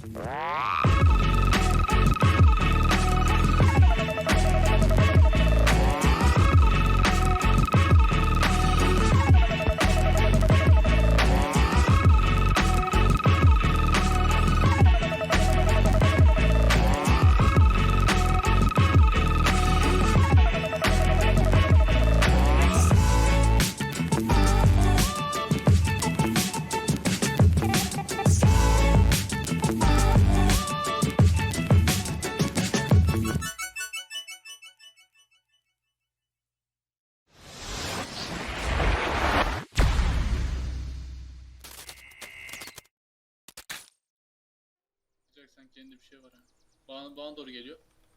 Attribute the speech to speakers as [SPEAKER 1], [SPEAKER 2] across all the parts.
[SPEAKER 1] Sen kendi bir şey var ha. Bana doğru geliyor.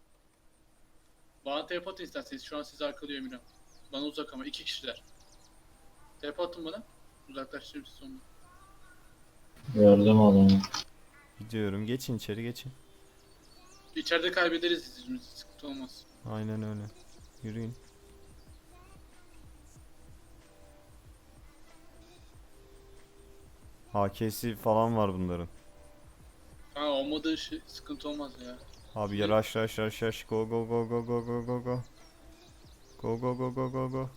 [SPEAKER 1] Bana TP atın isterseniz. Şu an sizi arkalıyor Emirhan. Bana uzak ama 2 kişiler. TP atın bana. Uzaklaştırayım sizi onunla.
[SPEAKER 2] Gördüm adamı.
[SPEAKER 3] Gidiyorum. Geçin içeri geçin.
[SPEAKER 1] İçeride kaybederiz izimizi. Sıkıntı olmaz.
[SPEAKER 3] Aynen öyle. Yürüyün. HK'si falan var bunların.
[SPEAKER 1] Ha olmadığı şey sıkıntı olmaz ya.
[SPEAKER 3] Abi ya rush. Go go go go go go go go. Go go go go go go.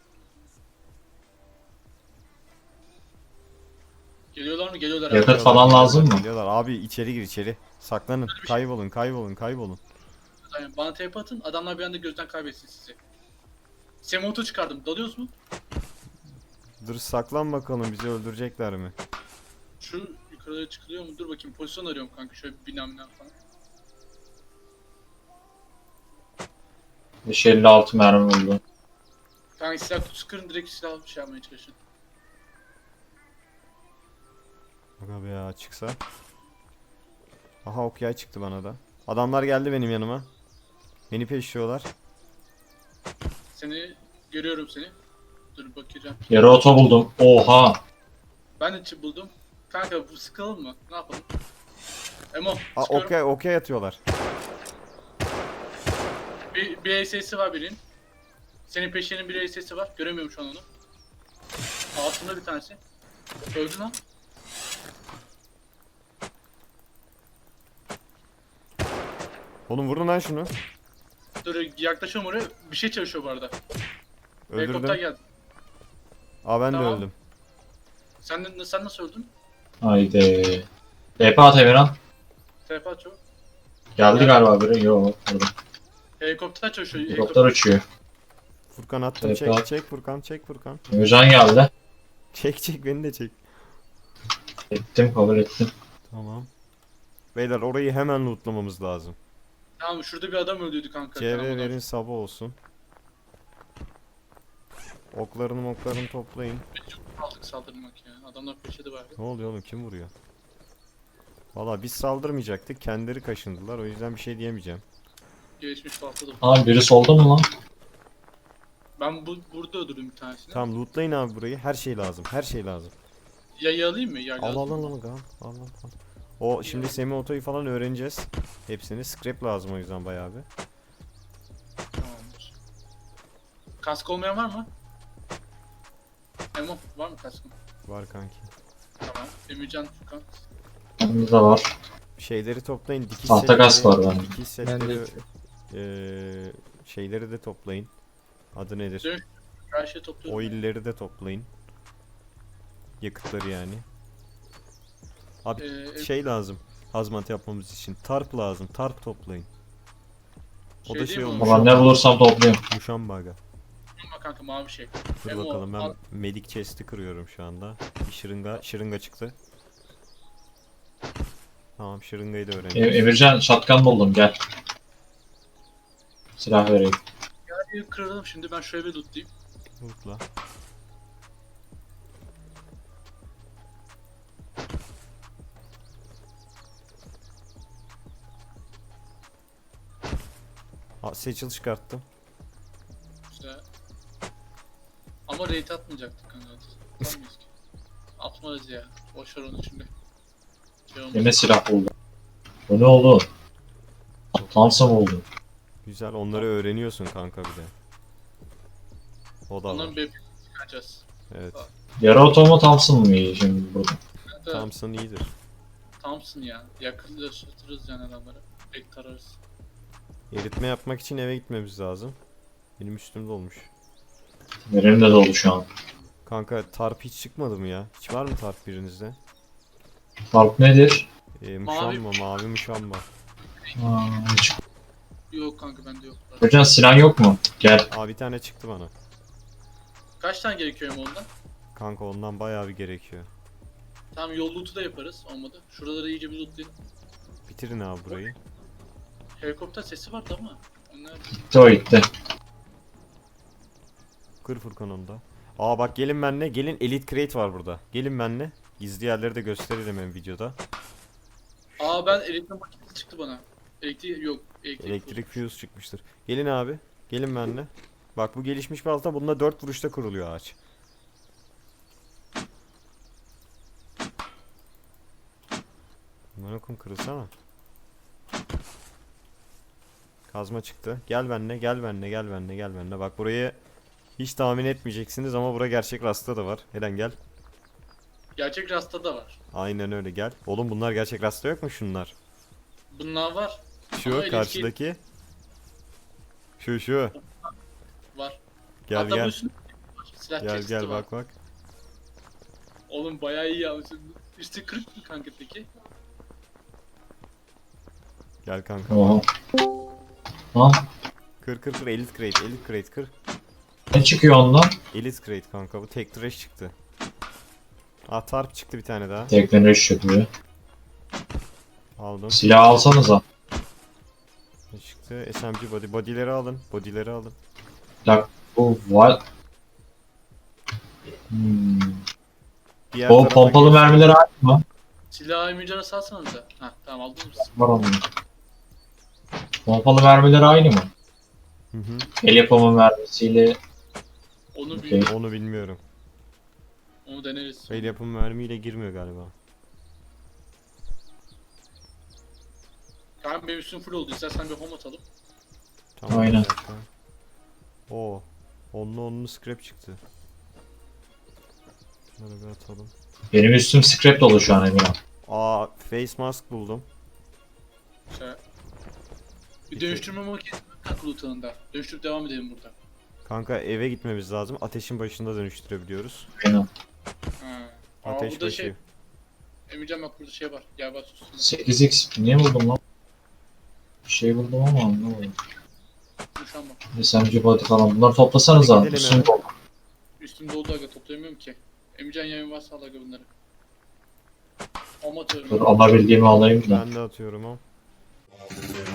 [SPEAKER 1] Geliyorlar mı? Geliyorlar
[SPEAKER 2] Yakıt
[SPEAKER 1] abi.
[SPEAKER 2] falan lazım mı?
[SPEAKER 3] Geliyorlar. Abi içeri gir içeri. Saklanın. Kaybolun.
[SPEAKER 1] Aynen. Bana TP atın. Adamlar bir anda gözden kaybetsin sizi. Semoto çıkardım. Dalıyoruz mu?
[SPEAKER 3] Dur saklan bakalım, bizi öldürecekler mi?
[SPEAKER 1] Şu yukarıya çıkılıyor mu? Dur bakayım. Pozisyon arıyorum kanka. Şöyle bina falan.
[SPEAKER 2] 556 mermi buldu.
[SPEAKER 1] Kanka silah kutusu kırın, direkt silah bir şey yapmaya çalışın.
[SPEAKER 3] Aga be ya, çıksa. Aha ok yay çıktı bana da. Adamlar geldi benim yanıma. Beni peşliyorlar.
[SPEAKER 1] Seni görüyorum seni. Dur bakacağım.
[SPEAKER 2] Yarı oto buldum. Oha.
[SPEAKER 1] Ben de buldum. Kanka bu sıkalım mı? Ne yapalım? Emo
[SPEAKER 3] Aa,
[SPEAKER 1] sıkıyorum.
[SPEAKER 3] ok yay atıyorlar.
[SPEAKER 1] Bir ASS'i var birinin. Senin peşinin bir ASS'i var. Göremiyorum şu an onu. Altında bir tanesi. Öldü lan.
[SPEAKER 3] Oğlum vurun lan şunu.
[SPEAKER 1] Dur yaklaşıyorum oraya. Bir şey çalışıyor bu arada. Helikopter
[SPEAKER 3] Öldürdüm.
[SPEAKER 1] geldi.
[SPEAKER 3] Aa ben de
[SPEAKER 1] Tamam.
[SPEAKER 3] öldüm.
[SPEAKER 1] Sen nasıl öldün?
[SPEAKER 2] Haydi. TP at Emirhan.
[SPEAKER 1] Telefon açıyor.
[SPEAKER 2] Geldi galiba biri. Yok. Burada.
[SPEAKER 1] Helikopter çalışıyor.
[SPEAKER 2] Helikopter uçuyor.
[SPEAKER 3] Furkan attım,
[SPEAKER 2] TP at.
[SPEAKER 3] çek Furkan.
[SPEAKER 2] Emircan geldi.
[SPEAKER 3] Çek beni de çek.
[SPEAKER 2] Ettim, kabul ettim.
[SPEAKER 3] Tamam. Beyler orayı hemen lootlamamız lazım.
[SPEAKER 1] Tamam şurada bir adam öldüydü kanka.
[SPEAKER 3] CV
[SPEAKER 1] Tamam,
[SPEAKER 3] verin, sabah olsun. Oklarını toplayın.
[SPEAKER 1] çok aldık saldırmak ya. Adamlar peşinde var.
[SPEAKER 3] Ne oluyor oğlum, kim vuruyor? Valla biz saldırmayacaktık, kendileri kaşındılar, o yüzden bir şey diyemeyeceğim.
[SPEAKER 1] Gelişmiş patladı.
[SPEAKER 2] Abi biri solda mı lan?
[SPEAKER 1] Ben burada öldürdüm bir tanesini.
[SPEAKER 3] Tamam lootlayın abi burayı, her şey lazım.
[SPEAKER 1] Yayı alayım mı? Yayı
[SPEAKER 3] Al
[SPEAKER 1] alayım.
[SPEAKER 3] al. O şimdi semi otoyu falan öğreneceğiz. Hepsini scrap lazım, o yüzden bayağı bir.
[SPEAKER 1] Tamamdır. Kask olmayan var mı? Emo var mı kaskın?
[SPEAKER 3] Var kanki.
[SPEAKER 1] Tamam. Emircan Furkan.
[SPEAKER 2] Bende de var.
[SPEAKER 3] Şeyleri toplayın, dikiş
[SPEAKER 2] Tahta kask var bende.
[SPEAKER 3] Dikiş setleri, şeyleri de toplayın. Adı nedir?
[SPEAKER 1] Dön. Her şeyi topluyorum.
[SPEAKER 3] Oil'leri de toplayın. Yakıtları yani. Abi şey lazım. Hazmat yapmamız için. Tarp lazım. Tarp toplayın. O da şey
[SPEAKER 1] değil mi
[SPEAKER 3] olmuş.
[SPEAKER 2] Ulan ne bulursam topluyorum.
[SPEAKER 3] Muşambaga.
[SPEAKER 1] Ama kanka mavi şey.
[SPEAKER 3] Dur
[SPEAKER 1] Emo,
[SPEAKER 3] bakalım, ben
[SPEAKER 1] al.
[SPEAKER 3] medik chest'i kırıyorum şu anda. Bir şırınga çıktı. Tamam, şırıngayı da öğreneceğiz.
[SPEAKER 2] Emircan shotgun buldum, gel. Silah vereyim.
[SPEAKER 1] Hadi kıralım şimdi, ben şöyle bir lootlayayım.
[SPEAKER 3] Lootla. Seçil çıkarttım.
[SPEAKER 1] Güzel. Ama raid atmayacaktık kanka. Atmayız ki. Atmarız ya. Boşver onu şimdi. Şey olmaz.
[SPEAKER 2] Yine silah buldum. Bu ne oldu? Thompson oldu.
[SPEAKER 3] Güzel, onları öğreniyorsun kanka bir de. O da var.
[SPEAKER 1] Onların bir çıkaracağız.
[SPEAKER 3] Evet.
[SPEAKER 2] Yarı oto mu Thompson mu iyi şimdi burada?
[SPEAKER 1] Kanka,
[SPEAKER 3] Thompson iyidir.
[SPEAKER 1] Thompson ya. Yakınlaştırırız yani adamları. Pek tararız.
[SPEAKER 3] Eritme yapmak için eve gitmemiz lazım. Benim üstümde olmuş.
[SPEAKER 2] Benim de dolu şu an.
[SPEAKER 3] Kanka tarp hiç çıkmadı mı ya? Hiç var mı tarp birinizde?
[SPEAKER 2] Fark nedir?
[SPEAKER 3] Muşamba, mavi muşamba.
[SPEAKER 2] Hiç.
[SPEAKER 1] Yok kanka bende yok.
[SPEAKER 2] Hocam Sinan yok mu? Gel.
[SPEAKER 3] Aa bir tane çıktı bana.
[SPEAKER 1] Kaç tane gerekiyor hem ondan?
[SPEAKER 3] Kanka ondan bayağı bir gerekiyor.
[SPEAKER 1] Tamam yol loot'u da yaparız. Olmadı. Şuraları iyice bir lootlayalım.
[SPEAKER 3] Bitirin abi burayı.
[SPEAKER 1] Helikopter sesi vardı ama. Onlar...
[SPEAKER 2] Gitti o gitti.
[SPEAKER 3] Kır Furkan onu da. Aa bak gelin benle. Gelin Elite Crate var burada. Gelin benle. Gizli yerleri de gösterelim hem videoda.
[SPEAKER 1] Aa ben elektrik makinesi çıktı bana. Elektrik yok.
[SPEAKER 3] Elektrik fuse çıkmıştır. Gelin abi. Gelin benle. Bak bu gelişmiş balta bununla 4 vuruşta kuruluyor ağaç. Bunlar kırılsana. Kazma çıktı. Gel benle, gel benle, gel benle, gel benle. Bak burayı hiç tahmin etmeyeceksiniz ama bura gerçek rasta da var. Eren gel.
[SPEAKER 1] Gerçek rasta da var.
[SPEAKER 3] Aynen öyle gel. Oğlum bunlar gerçek rasta yok mu şunlar?
[SPEAKER 1] Bunlar var.
[SPEAKER 3] Şu
[SPEAKER 1] Ama
[SPEAKER 3] karşıdaki. Şu.
[SPEAKER 1] Var.
[SPEAKER 3] Gel
[SPEAKER 1] Hatta bu
[SPEAKER 3] gel.
[SPEAKER 1] üstünde silah
[SPEAKER 3] Gel
[SPEAKER 1] chest'i
[SPEAKER 3] gel
[SPEAKER 1] var.
[SPEAKER 3] bak.
[SPEAKER 1] Oğlum bayağı iyi yapmışsın. Üstü kırık mı kanka peki?
[SPEAKER 3] Gel kanka.
[SPEAKER 2] Oha. Lan
[SPEAKER 3] Kır Elite Crate, Elite Crate kır.
[SPEAKER 2] ne çıkıyor ondan?
[SPEAKER 3] Elite Crate kanka bu tek trash çıktı. Ah tarp çıktı bir tane daha.
[SPEAKER 2] Teknoloji çıkıyor.
[SPEAKER 3] Aldım.
[SPEAKER 2] Silah alsanıza.
[SPEAKER 3] Ne çıktı? SMG body. Body'leri alın. Body'leri alın.
[SPEAKER 2] Bak bu var. Hmm.
[SPEAKER 3] Diğer
[SPEAKER 2] O
[SPEAKER 3] tarafa
[SPEAKER 2] pompalı
[SPEAKER 3] geç.
[SPEAKER 2] mermileri aynı mı?
[SPEAKER 1] Silahı mücadele salsanıza. Hah tamam aldınız mı?
[SPEAKER 2] Var onun. Pompalı mermileri aynı mı?
[SPEAKER 3] Hı hı.
[SPEAKER 2] El yapımı mermisiyle
[SPEAKER 1] Onu
[SPEAKER 2] Okey.
[SPEAKER 1] bilmiyorum.
[SPEAKER 3] Onu bilmiyorum.
[SPEAKER 1] Onu deneriz.
[SPEAKER 3] El yapımı mermiyle girmiyor galiba.
[SPEAKER 1] Kanka benim üstüm full oldu. İstersen bir home atalım.
[SPEAKER 3] Tamam,
[SPEAKER 2] Aynen.
[SPEAKER 3] bir dakika. Oo. Onlu scrap çıktı. Şunları bir atalım.
[SPEAKER 2] benim üstüm scrap dolu şu an Emirhan.
[SPEAKER 3] Aa face mask buldum.
[SPEAKER 1] Şey. Bir dönüştürme makinesi var kanka loot'unda. Dönüştürüp devam edelim burada.
[SPEAKER 3] Kanka eve gitmemiz lazım. Ateşin başında dönüştürebiliyoruz.
[SPEAKER 2] Aynen.
[SPEAKER 1] Ha. Aa
[SPEAKER 3] Ateş
[SPEAKER 1] burada
[SPEAKER 3] başı.
[SPEAKER 1] şey. Emircan bak burada şey var. Gel bak sus.
[SPEAKER 2] 8x niye buldum lan? Bir şey buldum ama anlamadım.
[SPEAKER 1] Konuşan bak.
[SPEAKER 2] SMG body falan bunları toplasanıza.
[SPEAKER 3] Gidelim
[SPEAKER 2] Üstüm
[SPEAKER 3] eve.
[SPEAKER 2] dolu.
[SPEAKER 1] Üstüm doldu aga toplayamıyorum ki. Emircan yayın varsa al aga bunları. Home
[SPEAKER 2] Dur
[SPEAKER 1] atıyorum.
[SPEAKER 2] alabildiğimi alayım da.
[SPEAKER 3] Ben de atıyorum o.